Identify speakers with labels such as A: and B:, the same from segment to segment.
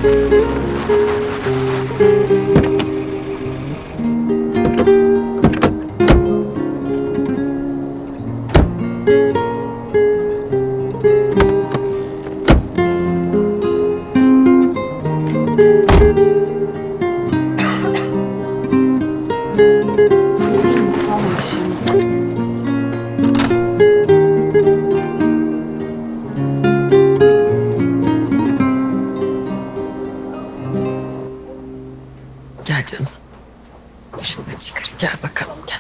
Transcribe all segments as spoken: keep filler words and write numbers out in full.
A: Gel canım. Şunu bir çıkarayım. Gel bakalım gel.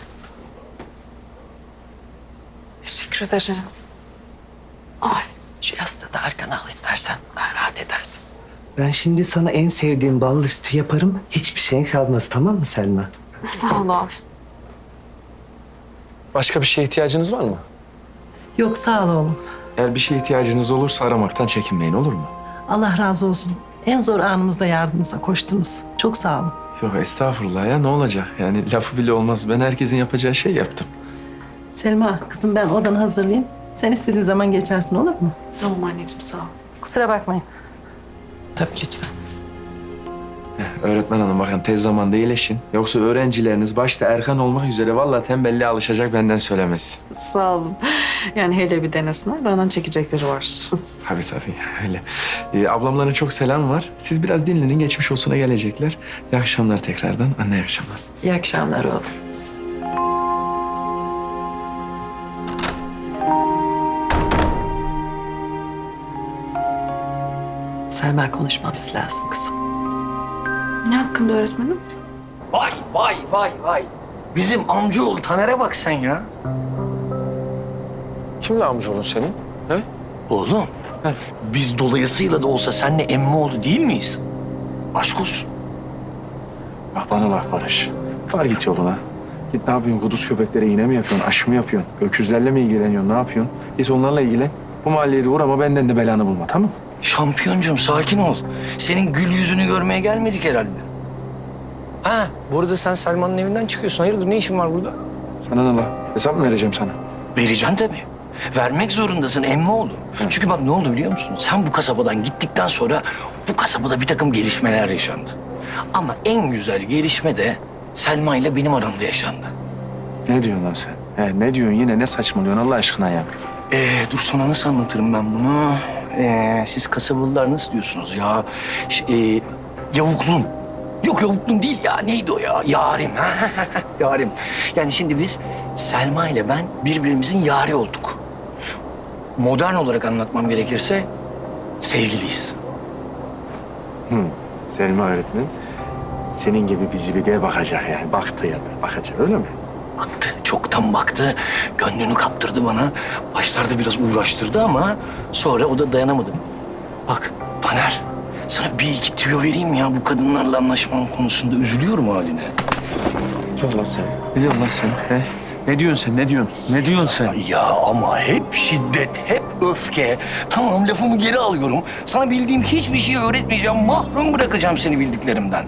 B: Teşekkür ederim. Ay.
A: Şu yastığı da arkana al istersen. Daha rahat edersin.
C: Ben şimdi sana en sevdiğim ballı sütü yaparım. Hiçbir şeyin kalmaz, tamam mı Selma?
B: Sağ ol abi.
D: Başka bir şeye ihtiyacınız var mı?
A: Yok sağ ol oğlum.
D: Eğer bir şeye ihtiyacınız olursa aramaktan çekinmeyin, olur mu?
A: Allah razı olsun. En zor anımızda yardımımıza koştunuz. Çok sağ olun.
D: Yok estağfurullah ya, ne olacak? Yani lafı bile olmaz. Ben herkesin yapacağı şey yaptım.
A: Selma kızım ben odanı hazırlayayım. Sen istediğin zaman geçersin olur mu?
B: Tamam anneciğim sağ ol.
A: Kusura bakmayın. Tabii lütfen.
D: Heh, öğretmen hanım bakın tez zamanda iyileşin. Yoksa öğrencileriniz başta Erkan olmak üzere vallahi tembelliğe alışacak benden söylemesi.
B: Sağ olun. Yani hele bir denesinler. Benden çekecekleri var.
D: Tabii tabii öyle. Ee, ablamların çok selam var. Siz biraz dinlenin, geçmiş olsuna gelecekler. İyi akşamlar tekrardan. Anne iyi akşamlar.
A: İyi akşamlar oğlum. Selma konuşmamız lazım kızım.
B: Ne hakkında öğretmenim?
E: Vay vay vay vay. Bizim amcaoğlu Taner'e bak sen ya.
D: Kimle amcaoğlun senin? He?
E: Oğlum, biz dolayısıyla da olsa seninle emmi oldu değil miyiz? Aşk olsun.
D: Bak bana bak Barış. Var git yoluna. Git ne yapıyorsun? Kuduz köpeklere iğne mi yapıyorsun? Aşı mı yapıyorsun? Öküzlerle mi ilgileniyorsun? Ne yapıyorsun? Git onlarla ilgilen. Bu mahalleye de vur ama benden de belanı bulma, tamam mı?
E: Şampiyoncum sakin ol. Senin gül yüzünü görmeye gelmedik herhalde. Ha, burada sen Selma'nın evinden çıkıyorsun. Hayırdır, ne işin var burada?
D: Sana ne la? Hesap mı vereceğim sana?
E: Vereceksin tabii. Vermek zorundasın emmi oğlu. Çünkü bak ne oldu biliyor musun? Sen bu kasabadan gittikten sonra bu kasabada bir takım gelişmeler yaşandı. Ama en güzel gelişme de Selma ile benim aramda yaşandı.
D: Ne diyorsun lan sen? He, ne diyorsun yine? Ne saçmalıyorsun Allah aşkına ya?
E: Ee, dur sana nasıl anlatırım ben bunu? Ee, siz kasabalılar nasıl diyorsunuz ya? Ş- e, yavuklum. Yok yavuklum değil ya. Neydi o ya? Yarim. Yarim. Yani şimdi biz Selma ile ben birbirimizin yari olduk. Modern olarak anlatmam gerekirse sevgiliyiz.
D: Hı. Selma öğretmen senin gibi bir zibideye bakacak yani. Baktı ya da bakacak öyle mi?
E: Baktı, çoktan baktı. Gönlünü kaptırdı bana. Başlarda biraz uğraştırdı ama sonra o da dayanamadı. Bak Taner, sana bir iki tüyo vereyim ya bu kadınlarla anlaşmam konusunda üzülüyorum haline.
D: Ne diyorsun lan sen? Ne diyorsun lan sen? He? Ne diyorsun sen? Ne diyorsun? Ne diyorsun sen?
E: Ya ama hep şiddet, hep öfke. Tamam lafımı geri alıyorum. Sana bildiğim hiçbir şeyi öğretmeyeceğim. Mahrum bırakacağım seni bildiklerimden.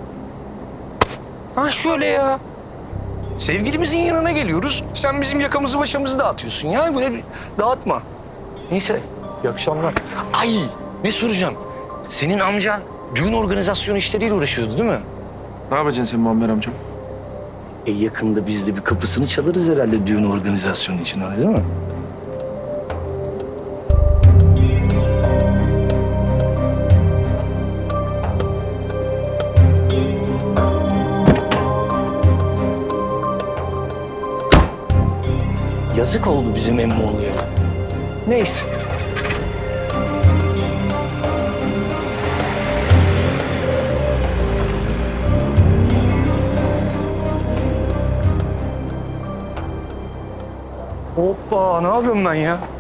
E: Ha şöyle ya. Sevgilimizin yanına geliyoruz. Sen bizim yakamızı başımızı dağıtıyorsun ya. Böyle bir dağıtma. Neyse, iyi akşamlar. Ay, ne soracağım? Senin amcan düğün organizasyonu işleriyle uğraşıyordu değil mi?
D: Ne yapacaksın sen Muammer amcam?
E: E yakında biz de bir kapısını çalarız herhalde düğün organizasyonu için öyle değil mi? Yazık oldu bizim Emmoğlu'ya. Neyse. Hoppa, ne yapıyorum ben ya?